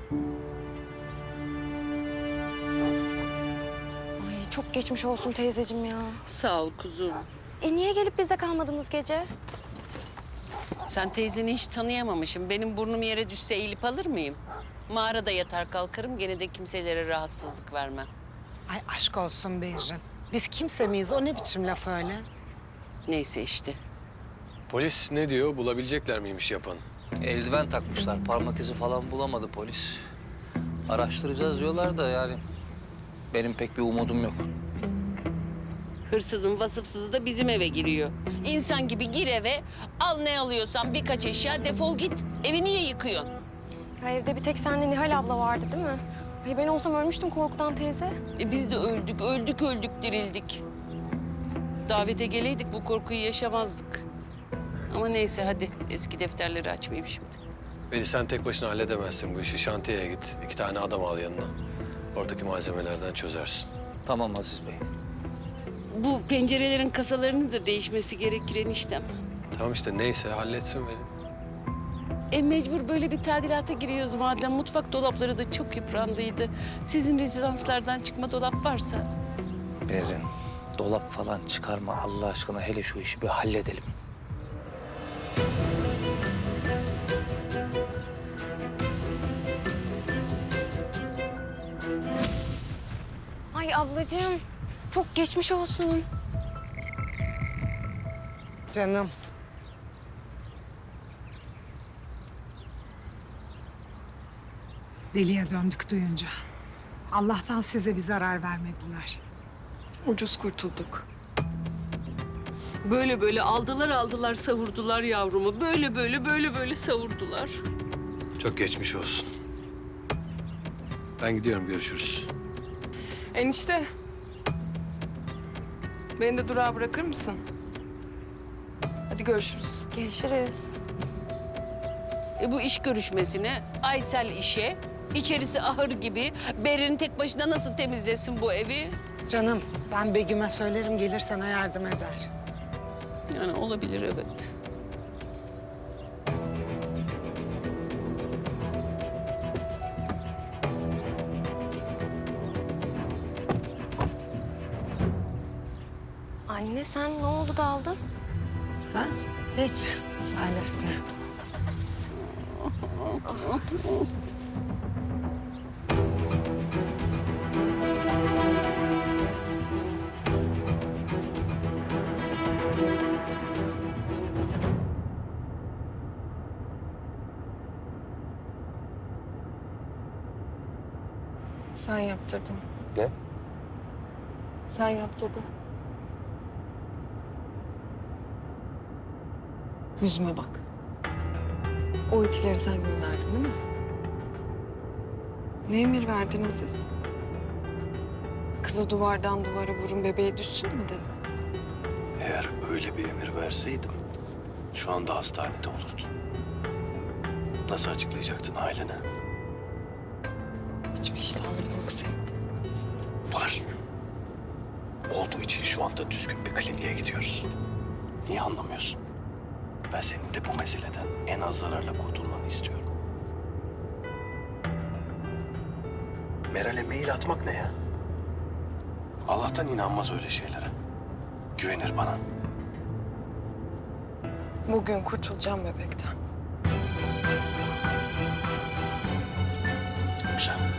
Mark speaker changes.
Speaker 1: Ay çok geçmiş olsun teyzeciğim ya.
Speaker 2: Sağ ol kuzum.
Speaker 1: Niye gelip bizde kalmadınız gece?
Speaker 2: Sen teyzeni hiç tanıyamamışım. Benim burnum yere düşse eğilip alır mıyım? Mağarada yatar kalkarım, gene de kimselere rahatsızlık vermem.
Speaker 3: Ay aşk olsun Behrin. Biz kimse miyiz? O ne biçim laf öyle?
Speaker 2: Neyse işte.
Speaker 4: Polis ne diyor? Bulabilecekler miymiş yapanı?
Speaker 5: Eldiven takmışlar. Parmak izi falan bulamadı polis. Araştıracağız diyorlar da yani benim pek bir umudum yok.
Speaker 2: Hırsızın vasıfsızı da bizim eve giriyor. İnsan gibi gir eve, al ne alıyorsan birkaç eşya, defol git. Evi niye yıkıyorsun?
Speaker 1: Ya evde bir tek senle Nihal abla vardı değil mi? Ay ben olsam ölmüştüm korkudan teyze.
Speaker 2: Biz de öldük dirildik. Davete geleydik bu korkuyu yaşamazdık. Ama neyse hadi eski defterleri açmayayım şimdi.
Speaker 4: Veli sen tek başına halledemezsin bu işi. Şantiyeye git. 2 tane adam al yanına. Oradaki malzemelerden çözersin.
Speaker 5: Tamam Aziz Bey.
Speaker 2: Bu pencerelerin kasalarının da değişmesi gerekir eniştem.
Speaker 4: Tamam işte neyse halletsin Veli.
Speaker 2: Mecbur böyle bir tadilata giriyoruz madem. Mutfak dolapları da çok yıprandıydı. Sizin rezidanslardan çıkma dolap varsa.
Speaker 5: Berrin, dolap falan çıkarma Allah aşkına, hele şu işi bir halledelim.
Speaker 1: Ay ablacığım çok geçmiş olsun.
Speaker 3: Canım. Deliye döndük duyunca. Allah'tan size bir zarar vermediler.
Speaker 2: Ucuz kurtulduk. Böyle aldılar savurdular yavrumu. Böyle savurdular.
Speaker 4: Çok geçmiş olsun. Ben gidiyorum, görüşürüz.
Speaker 6: Enişte. Beni de durağa bırakır mısın? Hadi görüşürüz.
Speaker 1: Görüşürüz.
Speaker 2: Bu iş görüşmesine, Aysel işe, içerisi ahır gibi. Berrin tek başına nasıl temizlesin bu evi?
Speaker 3: Canım ben Begüm'e söylerim, gelir sana yardım eder.
Speaker 2: Yani olabilir evet.
Speaker 1: Anne sen ne oldu da aldın?
Speaker 3: Ha? Hiç. Ailesine.
Speaker 6: Sen yaptırdın.
Speaker 4: Ne?
Speaker 6: Sen yaptırdın. Yüzüme bak. O itileri sen gönderdin değil mi? Ne emir verdin Aziz? Kızı duvardan duvara vurun, bebeğe düşsün mü dedin?
Speaker 7: Eğer öyle bir emir verseydim şu anda hastanede olurdun. Nasıl açıklayacaktın ailene?
Speaker 6: Hiç vicdanın yok senin.
Speaker 7: Var. Olduğu için şu anda düzgün bir kliniğe gidiyoruz. Niye anlamıyorsun? Ben senin de bu meseleden en az zararla kurtulmanı istiyorum. Meral'e mail atmak ne ya? Allah'tan inanmaz öyle şeylere. Güvenir bana.
Speaker 6: Bugün kurtulacağım bebekten.
Speaker 7: Güzel.